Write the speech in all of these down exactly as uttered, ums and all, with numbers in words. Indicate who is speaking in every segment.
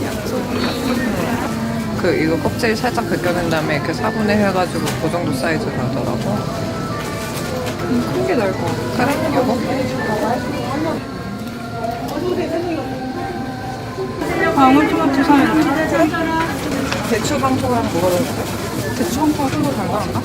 Speaker 1: 그 이거 껍질 살짝 벗겨낸 다음에 이렇게 사분해 해가지고 그 정도 사이즈로 하더라고.
Speaker 2: 큰 게 나을 것 같아.
Speaker 1: 그래? 이거?
Speaker 2: 방울토마토 사면 돼.
Speaker 1: 대추 방토랑 뭐가 다른데?
Speaker 2: 대추 한 포가 좀더 달달한가?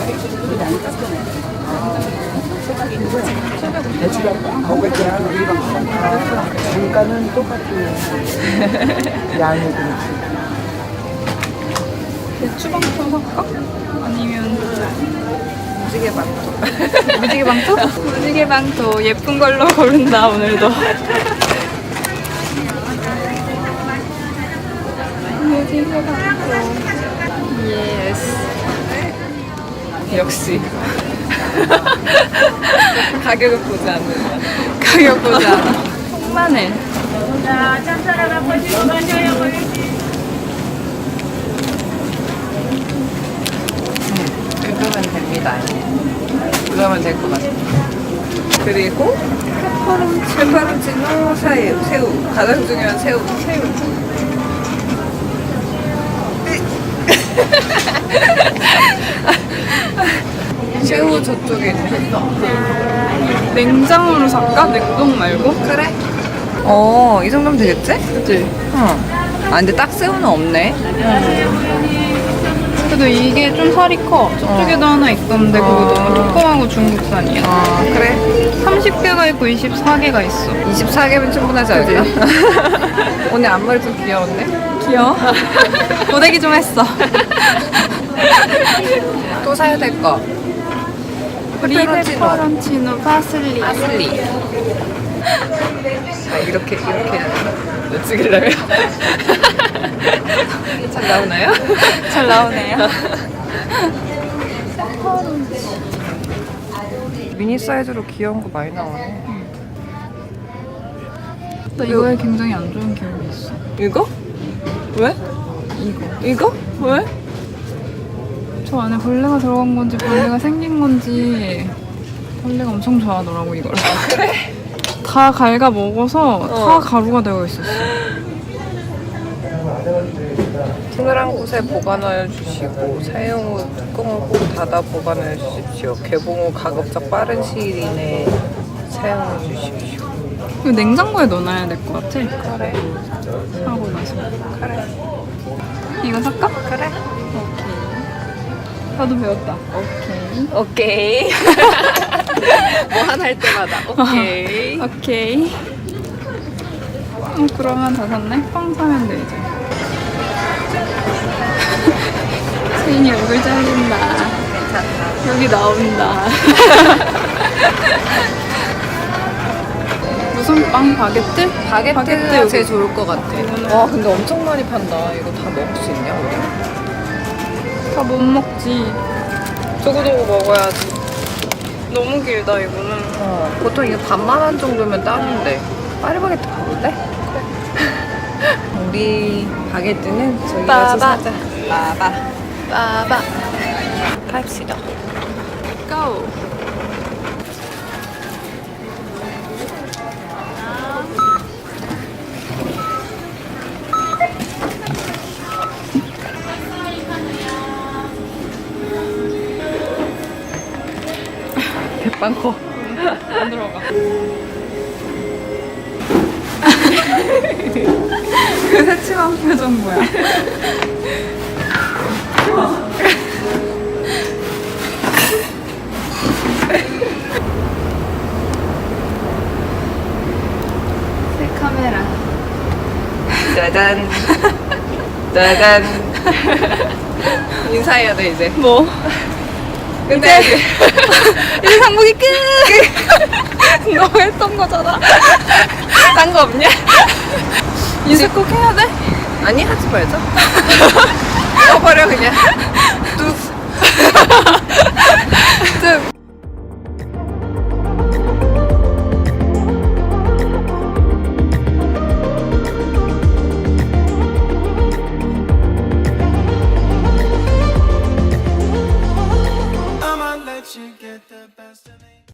Speaker 3: 단가는 똑같아요. 양이 그렇지.
Speaker 2: 대추방토 살까? 아니면
Speaker 1: 무지개 방토.
Speaker 2: 무지개 방토? 무지개 방토 예쁜 걸로 고른다 오늘도. 무지개 방토. 예스.
Speaker 1: 역시. 가격을 보지 않는다.
Speaker 2: 가격 보지 않아. 통마늘.
Speaker 1: 긁으면 됩니다. 그러면 될 것 같아. 그리고 페퍼론치, 페퍼론치노 새우, 새우. 가장 중요한 새우. 새우. 새우 저쪽에 있네.
Speaker 2: 냉장으로 살까? 냉동 말고?
Speaker 1: 그래? 어, 이 정도면 되겠지?
Speaker 2: 그치?
Speaker 1: 어. 아, 근데 딱 새우는 없네.
Speaker 2: 그래도 이게 좀 살이 커. 저쪽에도
Speaker 1: 어.
Speaker 2: 하나 있던데 그거
Speaker 1: 어.
Speaker 2: 너무 조그마하고 중국산이야.
Speaker 1: 아, 그래?
Speaker 2: 삼십 개가 있고 이십사 개가 있어.
Speaker 1: 이십사 개면 충분하지 않을까? 오늘 앞머리 좀 귀여운데?
Speaker 2: 귀여워? 고데기 좀 했어.
Speaker 1: 또 사야 될 거.
Speaker 2: 우리
Speaker 1: 페퍼론치노.
Speaker 2: 페퍼론치노 파슬리.
Speaker 1: 파슬리. 아, 이렇게, 이렇게 찍으려면? 잘 나오나요?
Speaker 2: 잘 나오네요.
Speaker 1: 미니 사이즈로 귀여운 거 많이 나오네.
Speaker 2: 나 이거에 굉장히 안 좋은 기억이 있어.
Speaker 1: 이거? 왜?
Speaker 2: 이거.
Speaker 1: 이거? 왜?
Speaker 2: 저 안에 벌레가 들어간 건지 벌레가 생긴 건지 벌레가 엄청 좋아하더라고 이걸.
Speaker 1: 아, 그래?
Speaker 2: 다 갉아 먹어서
Speaker 1: 어.
Speaker 2: 다 가루가 되어 있었어.
Speaker 1: 서늘한 곳에 보관하여 주시고 사용 후 뚜껑을 꼭 닫아 보관하여 주십시오. 개봉 후 가급적 빠른 시일 이내에 사용해 주십시오.
Speaker 2: 이거 냉장고에 넣어놔야 될 것 같아.
Speaker 1: 그래.
Speaker 2: 사고 나서.
Speaker 1: 그래.
Speaker 2: 이거 살까?
Speaker 1: 그래.
Speaker 2: 오케이. 나도 배웠다. 오케이.
Speaker 1: 오케이. 뭐 하나 할 때마다 오케이.
Speaker 2: 오케이. 어, 그러면 다 샀네? 빵 사면 돼, 이제. 세인이 얼굴 잘린다. 여기 나온다. 무슨 빵? 바게트?
Speaker 1: 바게트가
Speaker 2: 바게트 여기.
Speaker 1: 제일 좋을 것 같아. 와, 근데 엄청 많이 판다. 이거 다 먹을 수 있냐, 우리?
Speaker 2: 다 못 먹지.
Speaker 1: 두고두고 먹어야지.
Speaker 2: 너무 길다, 이거는.
Speaker 1: 어, 보통 이거 반만 원 정도면 딱인데. 파리바게트 가볼래? 우리 바게트는 저기 가서
Speaker 2: 빠바.
Speaker 1: 사자. 빠바. 빠바. 갑시다.
Speaker 2: 고!
Speaker 1: 대빵 커.
Speaker 2: 안 들어가. 그 새침한 표정 뭐야? 새 카메라.
Speaker 1: 짜잔. 짜잔. 인사해야 돼, 이제.
Speaker 2: 뭐?
Speaker 1: 근데
Speaker 2: 이제 상복이 끝! 너 했던 거잖아.
Speaker 1: 딴 거 없냐?
Speaker 2: 인사 꼭 해야 돼?
Speaker 1: 아니, 하지 말자. 꺼버려, 그냥. 뚝.